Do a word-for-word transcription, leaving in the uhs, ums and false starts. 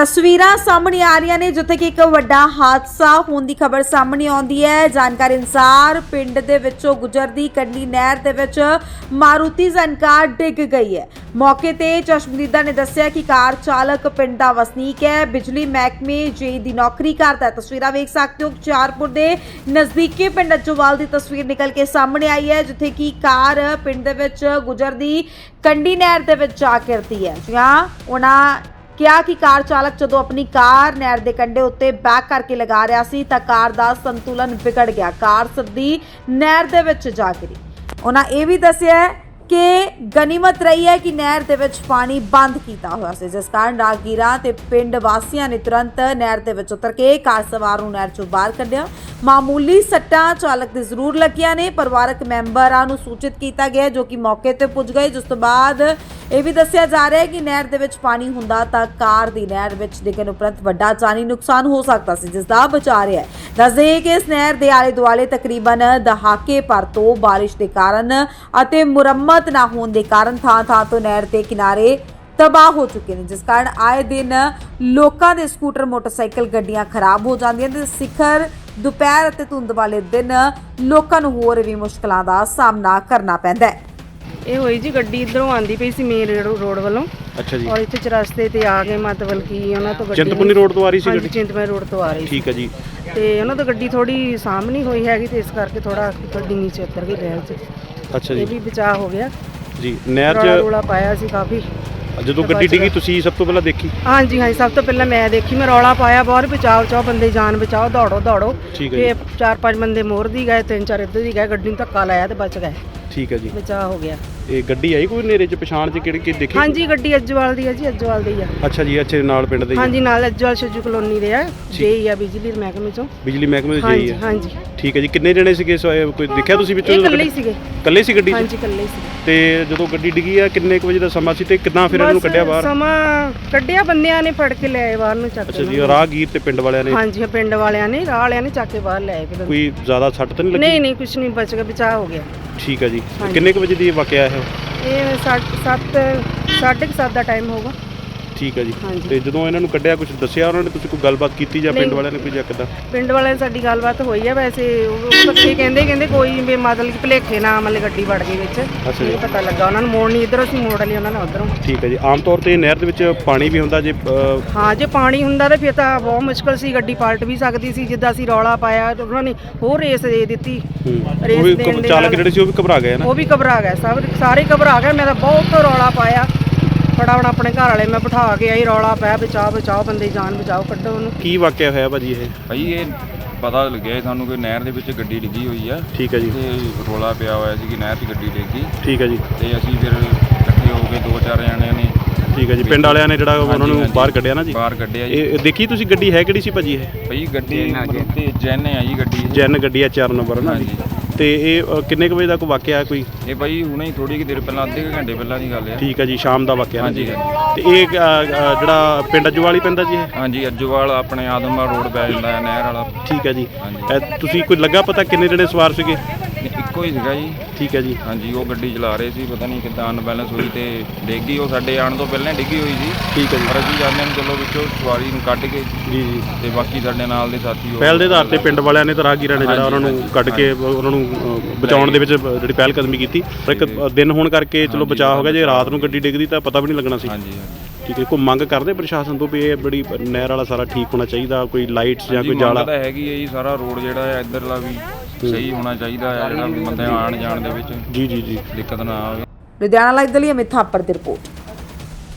ਤਸਵੀਰਾਂ ਸਾਹਮਣੇ ਆ ਰਹੀਆਂ ਨੇ ਜਿੱਥੇ ਕਿ ਇੱਕ ਵੱਡਾ ਹਾਦਸਾ ਹੋਣ ਦੀ ਖਬਰ ਸਾਹਮਣੇ ਆਉਂਦੀ ਹੈ। ਜਾਣਕਾਰੀ ਅਨੁਸਾਰ ਪਿੰਡ ਦੇ ਵਿੱਚੋਂ ਗੁਜ਼ਰਦੀ ਕੰਢੀ ਨਹਿਰ ਦੇ ਵਿੱਚ ਮਾਰੂਤੀ ਜ਼ਨ ਕਾਰ ਡਿੱਗ ਗਈ ਹੈ। ਮੌਕੇ ਤੇ ਚਸ਼ਮਦੀਦਾ ਨੇ ਦੱਸਿਆ ਕਿ ਕਾਰ ਚਾਲਕ ਪਿੰਡ ਦਾ ਵਸਨੀਕ ਹੈ, ਬਿਜਲੀ ਮਹਿਕਮੇ ਜੇ ਦੀ ਨੌਕਰੀ ਕਰਦਾ ਹੈ। ਤਸਵੀਰਾਂ ਵੇਖ ਸਕਦੇ ਹੋ ਹੁਸ਼ਿਆਰਪੁਰ ਦੇ ਨਜ਼ਦੀਕੀ ਪਿੰਡ ਅੱਜੋਵਾਲ ਦੀ ਤਸਵੀਰ ਨਿਕਲ ਕੇ ਸਾਹਮਣੇ ਆਈ ਹੈ ਜਿੱਥੇ ਕਿ ਕਾਰ ਪਿੰਡ ਦੇ ਵਿੱਚ ਗੁਜ਼ਰਦੀ ਕੰਢੀ ਨਹਿਰ ਦੇ ਵਿੱਚ ਜਾ ਗਿਰਦੀ ਹੈ। ਜੀ ਹਾਂ, ਉਹਨਾਂ ਕਿਹਾ ਕਿ ਕਾਰ ਚਾਲਕ ਜਦੋਂ ਆਪਣੀ ਕਾਰ ਨਹਿਰ ਦੇ ਕੰਢੇ ਉੱਤੇ ਬੈਕ ਕਰਕੇ ਲਗਾ ਰਿਹਾ ਸੀ ਤਾਂ ਕਾਰ ਦਾ ਸੰਤੁਲਨ ਵਿਗੜ ਗਿਆ, ਕਾਰ ਸਿੱਧੀ ਨਹਿਰ ਦੇ ਵਿੱਚ ਜਾ ਗਿਰੀ। ਉਹਨਾਂ ਇਹ ਵੀ ਦੱਸਿਆ ਕਿ ਗਨੀਮਤ ਰਹੀ ਹੈ ਕਿ ਨਹਿਰ ਦੇ ਵਿੱਚ ਪਾਣੀ ਬੰਦ ਕੀਤਾ ਹੋਇਆ ਸੀ, ਜਿਸ ਕਾਰਨ ਰਾਹਗੀਰਾਂ ਤੇ ਪਿੰਡ ਵਾਸੀਆਂ ਨੇ ਤੁਰੰਤ ਨਹਿਰ ਦੇ ਵਿੱਚ ਉਤਰ ਕੇ ਕਾਰ ਸਵਾਰ ਨੂੰ ਨਹਿਰ ਚੋਂ ਬਾਹਰ ਕੱਢਿਆ। ਮਾਮੂਲੀ ਸੱਟਾਂ ਚਾਲਕ ਦੇ ਜ਼ਰੂਰ ਲੱਗੀਆਂ ਨੇ। ਪਰਿਵਾਰਕ ਮੈਂਬਰਾਂ ਨੂੰ ਸੂਚਿਤ ਕੀਤਾ ਗਿਆ ਜੋ ਕਿ ਮੌਕੇ ਤੇ ਪੁੱਜ ਗਏ, ਜਿਸ ਤੋਂ ਬਾਅਦ ਇਹ ਵੀ ਦੱਸਿਆ ਜਾ ਰਿਹਾ ਹੈ ਕਿ ਨਹਿਰ ਦੇ ਵਿੱਚ ਪਾਣੀ ਹੁੰਦਾ ਤਾਂ ਕਾਰ ਦੀ ਨਹਿਰ ਵਿੱਚ ਡਿੱਗਣ ਉਪਰੰਤ ਵੱਡਾ ਜਾਨੀ ਨੁਕਸਾਨ ਹੋ ਸਕਦਾ ਸੀ, ਜਿਸ ਦਾ ਬਚਾ ਰਿਹਾ ਹੈ। ਦੱਸਦੇ ਕਿ ਇਸ ਨਹਿਰ ਦੇ ਆਲੇ ਦੁਆਲੇ ਤਕਰੀਬਨ ਦਹਾਕੇ ਭਰ ਤੋਂ ਬਾਰਿਸ਼ ਦੇ ਕਾਰਨ ਅਤੇ ਮੁਰੰਮਤ ਨਾ ਹੋਣ ਦੇ ਕਾਰਨ ਥਾਂ ਥਾਂ ਤੋਂ ਨਹਿਰ ਦੇ ਕਿਨਾਰੇ ਤਬਾਹ ਹੋ ਚੁੱਕੇ ਨੇ, ਜਿਸ ਕਾਰਨ ਆਏ ਦਿਨ ਲੋਕਾਂ ਦੇ ਸਕੂਟਰ, ਮੋਟਰਸਾਈਕਲ, ਗੱਡੀਆਂ ਖਰਾਬ ਹੋ ਜਾਂਦੀਆਂ ਤੇ ਸਿਖਰ ਦੁਪਹਿਰ ਅਤੇ ਧੁੰਦ ਵਾਲੇ ਦਿਨ ਲੋਕਾਂ ਨੂੰ ਹੋਰ ਵੀ ਮੁਸ਼ਕਲਾਂ ਦਾ ਸਾਹਮਣਾ ਕਰਨਾ ਪੈਂਦਾ ਹੈ। ਇਹ ਹੋਈ ਜੀ ਗੱਡੀ ਇਧਰੋਂ ਆਂਦੀ ਪਈ ਸੀ ਮੇਨ ਰੋਡ ਵੱਲੋਂ। ਅੱਛਾ ਜੀ। ਔਰ ਇੱਥੇ ਚਰਸਤੇ ਤੇ ਆ ਗਏ, ਮਤਲਬ ਕਿ ਉਹਨਾਂ ਤੋਂ ਗੱਡੀ ਚਿੰਤਪੁਰਨੀ ਰੋਡ ਤੋਂ ਆ ਰਹੀ ਸੀ ਗੱਡੀ? ਚਿੰਤਪੁਰਨੀ ਰੋਡ ਤੋਂ ਆ ਰਹੀ ਸੀ। ਠੀਕ ਹੈ ਜੀ। ਤੇ ਉਹਨਾਂ ਤੋਂ ਗੱਡੀ ਥੋੜੀ ਸਾਹਮਣੀ ਹੋਈ ਹੈਗੀ ਤੇ ਇਸ ਕਰਕੇ ਥੋੜਾ ਗੱਡੀ ਨੀਚੇ ਉਤਰ ਗਈ ਨਹਿਰ 'ਚ। ਅੱਛਾ ਜੀ। ਇਹ ਵੀ ਬਚਾਅ ਹੋ ਗਿਆ ਜੀ। ਨਹਿਰ 'ਚ ਰੌਲਾ ਪਾਇਆ ਸੀ ਕਾਫੀ। ਜਦੋਂ ਗੱਡੀ ਡਿੱਗੀ ਤੁਸੀਂ ਸਭ ਤੋਂ ਪਹਿਲਾਂ ਦੇਖੀ? ਹਾਂਜੀ ਹਾਂਜੀ, ਸਭ ਤੋਂ ਪਹਿਲਾਂ ਮੈਂ ਦੇਖੀ। ਮੈਂ ਰੌਲਾ ਪਾਇਆ ਬਹੁਤ, ਬਚਾਓ ਚਾਓ ਬੰਦੇ, ਜਾਨ ਬਚਾਓ, ਦੌੜੋ ਦੌੜੋ। ਤੇ ਚਾਰ ਪੰਜ ਬੰਦੇ ਮੋਰ ਦੀ ਗਏ, ਤਿੰਨ ਚਾਰ ਇੱਧਰ ਦੀ ਗਏ, ਗੱਡੀ ਨੂੰ ਧੱਕਾ ਲਾਇਆ ਤੇ ਬਚ ਗਏ। ਠੀਕ ਹੈ ਜੀ। ਬਚਾਅ ਹੋ ਗਿਆ। ਇਹ ਗੱਡੀ ਆਈ ਕੋਈ ਨੇਰੇ 'ਚ ਪਛਾਣ 'ਚ ਕਿਹੜੀ ਕੀ ਦੇਖੀ? ਹਾਂਜੀ, ਗੱਡੀ ਅੱਜਵਾਲ ਦੀ ਹੈ ਜੀ, ਅੱਜਵਾਲ ਦੀ ਆ। ਅੱਛਾ ਜੀ। ਅੱਛੇ ਨਾਲ ਪਿੰਡ ਦੇ? ਹਾਂਜੀ, ਨਾਲ ਅੱਜਵਾਲ ਸ਼ਜੂ ਕਲੋਨੀ ਦੇ ਆ, ਜੇਈ ਆ ਬਿਜਲੀ ਮਹਿਕਮੇ ਚੋਂ। ਬਿਜਲੀ ਮਹਿਕਮੇ ਦੇ ਜੇਈ ਆ? ਹਾਂਜੀ। ਠੀਕ ਹੈ ਜੀ। ਕਿੰਨੇ ਜਣੇ ਸੀਗੇ? ਕੋਈ ਦੇਖਿਆ ਤੁਸੀਂ ਵਿੱਚੋਂ? ਇਕੱਲੇ ਹੀ ਸੀਗੇ। ਇਕੱਲੇ ਸੀ ਗੱਡੀ 'ਚ? ਹਾਂਜੀ, ਇਕੱਲੇ ਸੀ। ਤੇ ਜਦੋਂ ਗੱਡੀ ਡਿੱਗੀ ਆ ਕਿੰਨੇ ਕੁ ਵਜੇ ਦਾ ਸਮਾਂ ਸੀ ਤੇ ਕਿੱਦਾਂ ਫਿਰ ਇਹਨੂੰ ਕੱਢਿਆ ਬਾਹਰ? ਸਮਾਂ ਕੱਢਿਆ ਬੰਦਿਆਂ ਨੇ, ਫੜ ਕੇ ਲੈ ਆਏ ਬਾਹਰ ਨੂੰ ਚੱਕ ਕੇ। ਅੱਛਾ ਜੀ। ਰਾਹਗੀਰ ਤੇ ਪਿੰਡ ਵਾਲਿਆਂ ਨੇ? ਹਾਂਜੀ, ਪਿੰਡ ਵਾਲਿਆਂ ਨੇ, ਰਾਹ ਵਾਲਿਆਂ ਨੇ ਚੱਕ ਕੇ ਬਾਹਰ ਲੈ ਆਏ। ਕੋਈ ਜ਼ਿਆਦਾ ਸੱਟ ਤਾਂ ਨਹੀਂ ਲੱਗੀ? ਨਹੀਂ ਨਹੀਂ, ਕੁਝ ਨਹੀਂ, ਬਚ ਗਿਆ, ਬਚਾਅ ਹੋ ਗਿਆ। ਠੀਕ ਹੈ ਜੀ। ਕਿੰਨੇ ਕੁ ਵਜੇ ਦੀ ਵਾਕਿਆ ਹੈ? ਇਹ ਸੱਤ ਸਾਢੇ ਕੁ ਸੱਤ ਦਾ ਟਾਈਮ ਹੋਊਗਾ। ਠੀਕ ਹੈ ਜੀ। ਤੇ ਜਦੋਂ ਇਹਨਾਂ ਨੂੰ ਕੱਢਿਆ ਕੁਝ ਦੱਸਿਆ ਉਹਨਾਂ ਨੇ? ਤੁਸੀਂ ਕੋਈ ਗੱਲਬਾਤ ਕੀਤੀ ਜਾਂ ਪਿੰਡ ਵਾਲਿਆਂ ਨੇ ਕੋਈ ਜਾਂ ਕਿੱਦਾਂ? ਪਿੰਡ ਵਾਲਿਆਂ ਨਾਲ ਸਾਡੀ ਗੱਲਬਾਤ ਹੋਈ ਹੈ। ਵੈਸੇ ਉਹ ਬੱਚੇ ਕਹਿੰਦੇ ਕਹਿੰਦੇ ਕੋਈ ਵੀ ਮਤਲਬ ਕਿ ਭੁਲੇਖੇ ਨਾਲ ਮਤਲਬ ਗੱਡੀ ਵੜ ਗਈ ਵਿੱਚ। ਅੱਛਾ ਜੀ। ਪਤਾ ਲੱਗਾ ਉਹਨਾਂ ਨੂੰ, ਮੋੜ ਨਹੀਂ ਇੱਧਰੋਂ ਸੀ, ਮੋੜ ਲਈ ਉਹਨਾਂ ਨੇ ਉੱਧਰੋਂ। ਠੀਕ ਹੈ ਜੀ। ਆਮ ਤੌਰ ਤੇ ਨਹਿਰ ਦੇ ਵਿੱਚ ਪਾਣੀ ਵੀ ਹੁੰਦਾ ਜੇ? ਹਾਂ, ਜੇ ਪਾਣੀ ਹੁੰਦਾ ਤਾਂ ਫਿਰ ਤਾਂ ਬਹੁਤ ਮੁਸ਼ਕਲ ਸੀ, ਗੱਡੀ ਪਲਟ ਵੀ ਸਕਦੀ ਸੀ। ਜਿੱਦਾਂ ਅਸੀਂ ਰੌਲਾ ਪਾਇਆ ਉਹਨਾਂ ਨੇ ਹੋਰ ਰੇਸ ਦੇ ਦਿੱਤੀ। ਰੇਸ ਦੇਣ ਦੇ ਚਾਲਕ ਜਿਹੜੇ ਸੀ ਉਹ ਵੀ ਘਬਰਾ ਗਏ ਨਾ? ਉਹ ਵੀ ਘਬਰਾ ਗਏ, ਸਭ ਸਾਰੇ ਘਬਰਾ ਗਏ। ਮੈਂ ਤਾਂ ਬਹੁਤ ਰੌਲਾ ਪਾਇਆ, ਫਟਾਫਟ ਆਪਣੇ ਘਰ ਵਾਲੇ ਮੈਂ ਬਿਠਾ ਕੇ ਆਈ, ਰੌਲਾ ਪਾਇਆ, ਬਚਾਓ ਬਚਾਓ ਬੰਦੇ, ਜਾਨ ਬਚਾਓ, ਕੱਢੋ ਉਹਨੂੰ। ਕੀ ਵਾਕਿਆ ਹੋਇਆ ਭਾਜੀ ਇਹ? ਭਾਈ ਇਹ ਪਤਾ ਲੱਗਿਆ ਸਾਨੂੰ ਕਿ ਨਹਿਰ ਦੇ ਵਿੱਚ ਗੱਡੀ ਡਿੱਗੀ ਹੋਈ ਆ। ਠੀਕ ਹੈ ਜੀ। ਤੇ ਰੌਲਾ ਪਿਆ ਹੋਇਆ ਸੀ ਕਿ ਨਹਿਰ 'ਚ ਗੱਡੀ ਡਿੱਗੀ। ਠੀਕ ਹੈ ਜੀ। ਤੇ ਅਸੀਂ ਫਿਰ ਇਕੱਠੇ ਹੋ ਕੇ ਦੋ ਚਾਰ ਜਣਿਆਂ ਨੇ। ਠੀਕ ਹੈ ਜੀ। ਪਿੰਡ ਵਾਲਿਆਂ ਨੇ ਜਿਹੜਾ ਉਹਨਾਂ ਨੂੰ ਬਾਹਰ ਕੱਢਿਆ ਨਾ ਜੀ? ਬਾਹਰ ਕੱਢਿਆ ਜੀ। ਇਹ ਦੇਖੀ ਤੁਸੀਂ ਗੱਡੀ ਹੈ ਕਿਹੜੀ ਸੀ ਭਾਜੀ ਇਹ? ਭਾਈ ਗੱਡੀ ਤੇ ਜੈਨ ਆ ਜੀ ਗੱਡੀ। ਜੈਨ ਗੱਡੀ ਆ, ਚਾਰ ਨੰਬਰ ਨਾ ਜੀ। ਤੇ ਇਹ ਕਿੰਨੇ ਕੁ ਵਜੇ ਦਾ ਕੋਈ ਵਾਕਿਆ ਕੋਈ? ਇਹ ਭਾਈ ਹੁਣੇ ਹੀ ਥੋੜੀ ਕਿ ਦੇਰ ਪਹਿਲਾਂ, ਅੱਧੇ ਘੰਟੇ ਪਹਿਲਾਂ ਦੀ ਗੱਲ ਹੈ। ਠੀਕ ਹੈ ਜੀ। ਸ਼ਾਮ ਦਾ ਵਾਕਿਆ? ਹਾਂਜੀ। ਤੇ ਇਹ ਜਿਹੜਾ ਪਿੰਡ ਅੱਜੋਵਾਲ ਹੀ ਪੈਂਦਾ ਜੀ ਇਹ? ਹਾਂਜੀ, ਅੱਜੋਵਾਲ ਆਪਣੇ ਆਦਮਪੁਰ ਰੋਡ ਪੈ ਜਾਂਦਾ ਹੈ, ਨਹਿਰ ਵਾਲਾ। ਠੀਕ ਹੈ ਜੀ। ਤੁਸੀਂ ਕੋਈ ਲੱਗਾ ਪਤਾ ਕਿੰਨੇ ਜਣੇ ਸਵਾਰ ਸੀਗੇ? ਇੱਕੋ ਹੀ ਸੀਗਾ ਜੀ। ਠੀਕ ਹੈ ਜੀ। ਹਾਂਜੀ, ਉਹ ਗੱਡੀ ਚਲਾ ਰਹੇ ਸੀ, ਪਤਾ ਨਹੀਂ ਕਿੱਦਾਂ ਅਨਬੈਲੈਂਸ ਹੋਈ ਤੇ ਡਿੱਗੀ। ਉਹ ਸਾਡੇ ਆਉਣ ਤੋਂ ਪਹਿਲਾਂ ਡਿੱਗੀ ਹੋਈ ਸੀ। ਠੀਕ ਹੈ ਜੀ। ਪਰ ਅਸੀਂ ਜਾਂਦੇ ਨੂੰ ਚਲੋ ਵਿੱਚੋਂ ਸਵਾਰੀ ਨੂੰ ਕੱਢ ਕੇ। ਜੀ ਜੀ। ਤੇ ਬਾਕੀ ਸਾਡੇ ਨਾਲ ਦੇ ਸਾਥੀ ਪਹਿਲ ਦੇ ਆਧਾਰ ਤੇ ਪਿੰਡ ਵਾਲਿਆਂ ਨੇ ਤੇ ਰਾਹਗੀਰਾਂ ਨੇ ਜਿਹੜਾ ਉਹਨਾਂ ਨੂੰ ਕੱਢ ਕੇ ਉਹਨਾਂ ਨੂੰ ਬਚਾਉਣ ਦੇ ਵਿੱਚ ਜਿਹੜੀ ਪਹਿਲ ਕਦਮੀ ਕੀਤੀ। ਇੱਕ ਦਿਨ ਹੋਣ ਕਰਕੇ ਚਲੋ ਬਚਾਅ ਹੋ ਗਿਆ। ਜੇ ਰਾਤ ਨੂੰ ਗੱਡੀ ਡਿੱਗਦੀ ਤਾਂ ਪਤਾ ਵੀ ਨਹੀਂ ਲੱਗਣਾ ਸੀ। ਹਾਂਜੀ। ਠੀਕ ਹੈ। ਕੋਈ ਮੰਗ ਕਰਦੇ ਪ੍ਰਸ਼ਾਸਨ ਤੋਂ ਵੀ ਇਹ ਬੜੀ ਨਹਿਰ ਵਾਲਾ ਸਾਰਾ ਠੀਕ ਹੋਣਾ ਚਾਹੀਦਾ, ਕੋਈ ਲਾਈਟਸ ਜਾਂ ਕੋਈ ਜਾਲਾ? ਤਾਂ ਹੈਗੀ ਹੈ ਜੀ, ਸਾਰਾ ਰੋਡ ਜਿਹੜਾ ਹੈ ਇੱਧਰਲਾ ਵੀ ਸਹੀ ਹੋਣਾ ਚਾਹੀਦਾ ਹੈ, ਜਿਹੜਾ ਬੰਦੇ ਆਉਣ ਜਾਣ ਦੇ ਵਿੱਚ ਜੀ ਜੀ ਜੀ ਦਿੱਕਤ ਨਾ ਆਵੇ। ਲੁਧਿਆਣਾ ਲਾਈਵ ਦੇ ਲਈ ਅਮਿਤ ਥਾਪੜ ਦੀ ਰਿਪੋਰਟ।